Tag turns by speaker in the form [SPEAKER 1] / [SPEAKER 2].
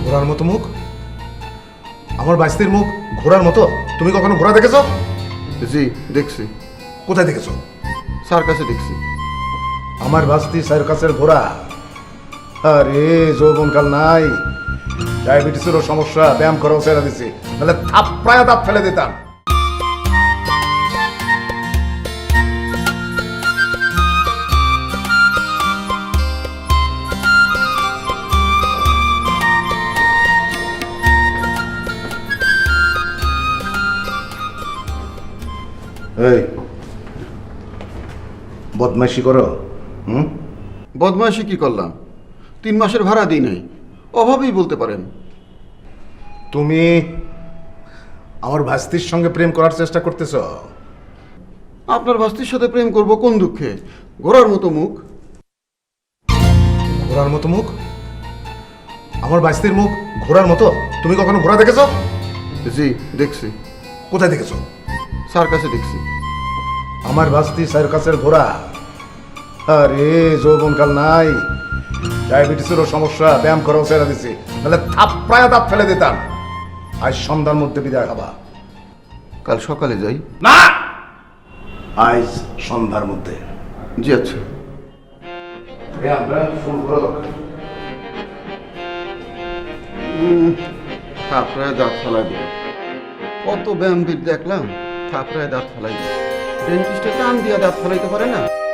[SPEAKER 1] ঘোড়ার মতো মুখ? আমার বাইস্তির মুখ ঘোড়ার মতো? তুমি কখনো ঘোড়া দেখেছো?
[SPEAKER 2] জি দেখছি,
[SPEAKER 1] কোথায় দেখেছো?
[SPEAKER 2] স্যার কাছে দেখছি।
[SPEAKER 1] আমার বাস্তি সার্কাসের ঘোড়া? আরে যৌবনকাল নাই, ডায়াবেটিসেরও সমস্যা, ব্যায়াম করাও ছেড়ে দিছি, তাহলে থাপ্পড়ায় দাঁত ফেলে দিতাম। এই বদমাইশি করো?
[SPEAKER 2] বদমাইশি কি করলাম? 3 মাসের ভাড়া দিই নাই, অভাবেই বলতে পারেন।
[SPEAKER 1] তুমি আমার ভাস্তির সঙ্গে প্রেম করার চেষ্টা করতেছ?
[SPEAKER 2] আপনার ভাস্তির সাথে প্রেম করব কোন দুঃখে? ঘোড়ার মতো মুখ।
[SPEAKER 1] ঘোড়ার মতো মুখ? আমার বাইস্তির মুখ ঘোড়ার মতো? তুমি কখনো ঘোড়া দেখেছো?
[SPEAKER 2] জি দেখছি,
[SPEAKER 1] কোথায় দেখেছো?
[SPEAKER 2] স্যার কাছে দেখছি।
[SPEAKER 1] আমার বাস্তি সার্কাসের ঘোড়া? আরে যৌবনকাল নাই, ডায়াবেটিসেরও সমস্যা, ব্যায়াম করাও ছেড়ে দিছি, তাহলে থাপ্পড়ায় দাঁত ফেলে দিতাম। আজ সন্ধ্যার মধ্যে বিদায় হবা।
[SPEAKER 2] কাল সকালে যাই।
[SPEAKER 1] না, আজ সন্ধ্যার মধ্যে।
[SPEAKER 2] জি আচ্ছা। থাপড়ায় দাঁত ফেলাই দিল। কত ব্যায়ামবিদ দেখলাম, থাপড়ায় দাঁত ফেলাই দিল। ডেন্টিস্টে টান দিয়া দাঁত ফেলাইতে পারে না।